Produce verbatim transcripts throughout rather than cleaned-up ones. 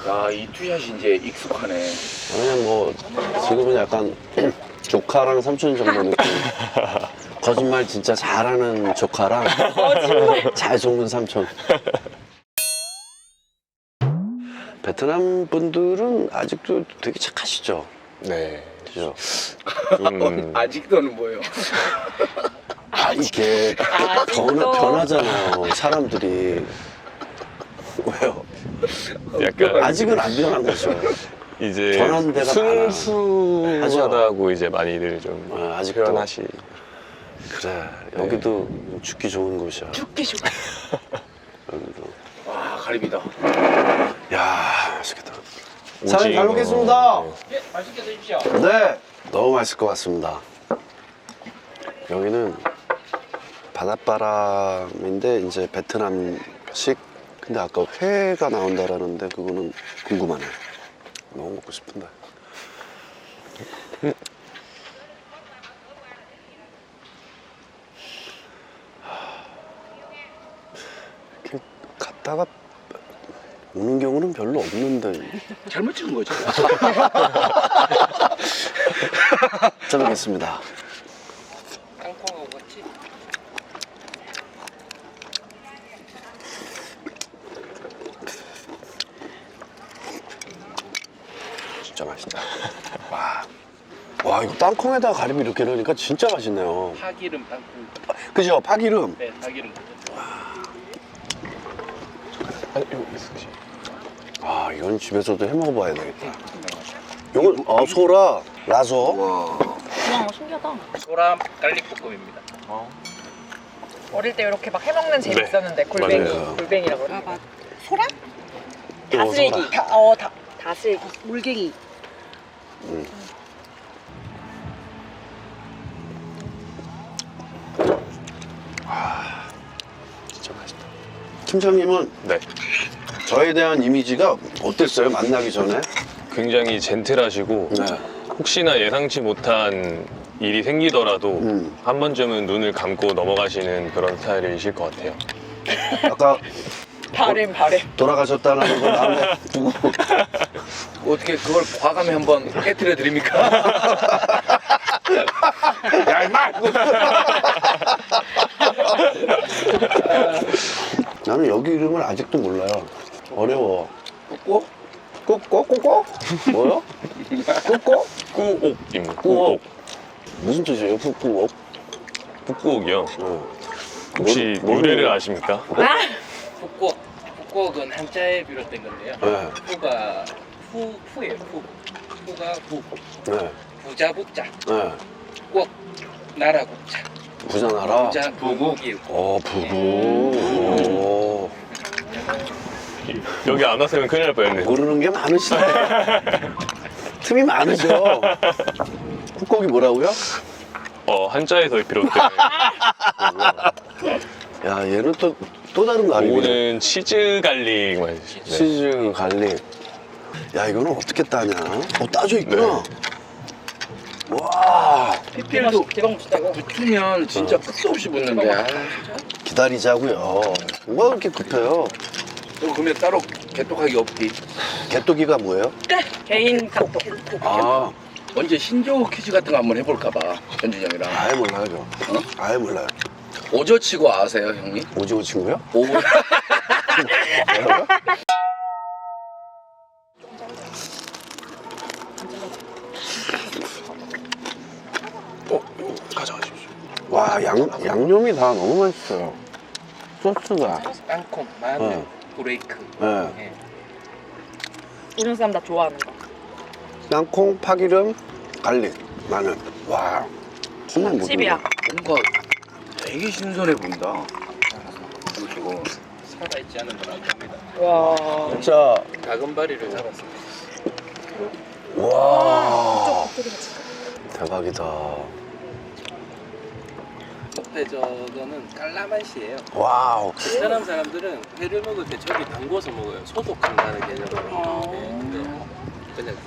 야, 이 투샷이 이제 익숙하네. 그냥 뭐 지금은 약간 조카랑 삼촌 정도 느낌. 거짓말 진짜 잘하는 조카랑 잘 속는 삼촌. 베트남 분들은 아직도 되게 착하시죠? 네. 그죠? 좀 아직도는 뭐예요? 아, 이게 변하, 변하잖아요, 사람들이. 왜요? 약간 아직은 안 변한 거죠. 이제 변한 데가 많아. 순수하다고 이제 많이들 좀 아, 아직도. 표현하시. 그래, 네. 여기도 죽기 좋은 곳이야. 죽기 좋아. 여기도. 와, 가리비다. 야, 맛있겠다. 오징어. 사장님 잘 먹겠습니다. 예, 맛있게 드십시오. 네, 너무 맛있을 것 같습니다. 여기는 바닷바람인데 이제 베트남식. 근데 아까 회가 나온다라는데 그거는 궁금하네. 너무 먹고 싶은데. 이렇게 갔다가 오는 경우는 별로 없는데. 잘못 찍은 거죠? 잘 먹겠습니다. 땅콩하고 같이. 진짜 맛있다. 와, 와 이거 땅콩에다가 가리비 이렇게 넣으니까 진짜 맛있네요. 파기름 땅콩. 그죠? 파기름. 네, 파기름. 아, 이거 있으시. 아, 이건 집에서도 해 먹어봐야 되겠다. 이건 어, 소라, 라소. 와 신기하다. 소람 갈릭 볶음입니다. 어릴 때 이렇게 막 해먹는 재미 네. 있었는데 골뱅이, 맞아요. 골뱅이라고 그러는 거. 소라? 어, 다슬기, 소라. 다, 어, 다, 다슬기. 물갱이. 음. 아, 진짜 맛있다. 팀장님은 네. 저에 대한 이미지가 어땠어요? 만나기 전에? 굉장히 젠틀하시고 네. 혹시나 예상치 못한 일이 생기더라도 음. 한 번쯤은 눈을 감고 넘어가시는 그런 스타일이실 것 같아요. 아까 바램, 바램. 돌아가셨다는 걸 마음에 두고. 어떻게 그걸 과감히 한번 깨뜨려 드립니까? 야, 임마! 나는 여기 이름을 아직도 몰라요. 어려워. 꼭? 꼬꼬꼬꼬? 뭐요? 꼬꼬? 꾸옥입니다. 꾸옥. 꾸옥. 무슨 뜻이에요? 푸꾸옥? 북꾸옥이요. 어. 혹시 뭐- 유래를 뭐를- 아십니까? 북곡. 북곡은 한자에 비롯된 건데요. 네. 후가 후, 후예요, 후. 후가 후. 네. 부자 북자. 네. 꼭 나라 국자. 부자나라? 부자 부국이고. 어, 부부. 오. 여기 안 왔으면 큰일 날 뻔했네요. 모르는 게 많으시네. 틈이 많으죠. 쿡곡이 뭐라고요? 어, 한자에서 비롯된 야, 얘는 또, 또 다른 거 아니에요? 요거는 치즈 갈릭 맛이. 네. 치즈 갈릭. 야, 이거는 어떻게 따냐? 어, 따져 있구나. 와, 피필도 대박 맛있다, 이거. 붙으면 진짜 끝도 없이 붙는데. 아, 기다리자고요. 뭐가 그렇게 급해요? 또 그러면 따로 개떡하기 없기. 개또기가 뭐예요? 개인 카톡. 아, 언제 신조어 퀴즈 같은 거 한번 해볼까 봐, 현준이 형이랑. 아예 몰라요, 저. 어? 아예 몰라요. 오저치고 아세요, 형님? 오징어 친구요? 오. 뭐라고요? 어, 이거 가져가십시오. 와, 양, 양념이 다 너무 맛있어요. 소스가. 땅콩, 마늘, 네. 브레이크. 네. 예. 이런 사람 다 좋아하는 거. 땅콩, 파기름, 갈릭, 마늘. 와, 정말 못 집이야. 뭔가 되게 신선해 보인다. 그리고 살아있지 않은 건 안 됩니다. 와. 진짜. 다금바리를 잡았습니다. 와, 대박이다. 그때 저거는 깔라맛이에요. 와우. 베트남 사람들은 회를 먹을 때 저기 담궈서 먹어요. 소독한다는 개념으로. 네, 근데 그냥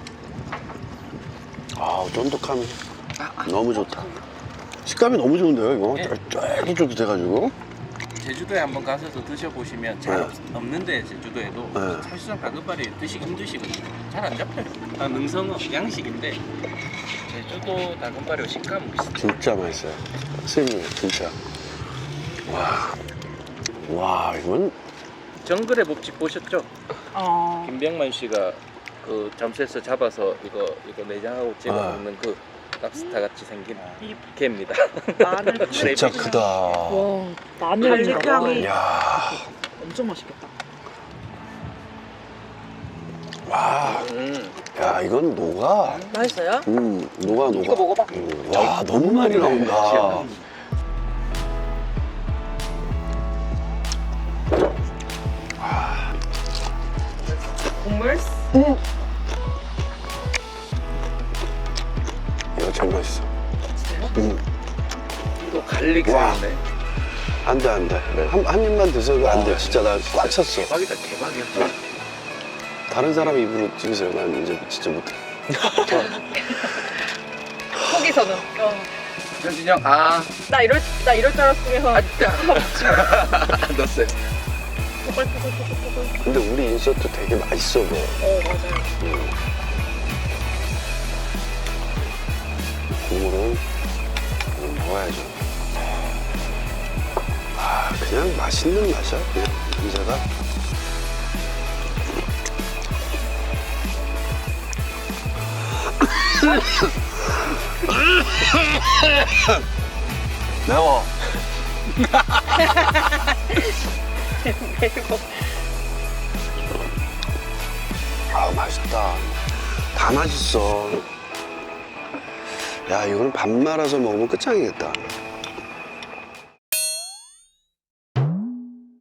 드셔. 아, 쫀득함이 너무 좋다. 식감이 너무 좋은데요, 이거? 쫄깃쫄깃해가지고. 제주도에 한번 가서도 드셔보시면 잘 네. 없, 없는데 제주도에도 네. 사실상 다금바리 드시기 힘드시거든요. 잘 안 잡혀요. 아, 능성어 양식인데 제주도 다금바리와 식감은 비슷해요. 진짜 맛있어요. 스님 진짜. 와, 와 이건 정글의 법칙 보셨죠? 어. 김병만 씨가 그 잠수에서 잡아서 이거 이거 내장하고 찍어 아. 먹는 그 랍스타 같이 생긴 이 개입니다. 마늘 진짜 크다. 와, 마늘 향이 야, 엄청 맛있겠다. 와, 음. 야 이건 녹아. 맛있어요? 음, 녹아 녹아. 이거 먹어봐. 음, 와 너무 많이 나온다. 국물? 이거 제일 맛있어. 음, 또 갈릭 와. 사인데 안돼 안돼. 한, 한 입만 드셔도 안 돼. 진짜 나 꽉 찼어. 대박이다 대박이야. 다른 사람 입으로 찍으세요. 난 이제 진짜 못해. 거기서는. 어. 현진이 형, 아, 나 이럴 나 이럴 줄 알았으면. 안 넣었어요. 근데 우리 인서트 되게 맛있어 보여. 어 맞아요. 국물은 먹어야죠. 아, 그냥 맛있는 맛이야. 그냥 냄새가. 매워. 아, 맛있다. 다 맛있어. 야, 이거는 밥 말아서 먹으면 끝장이겠다.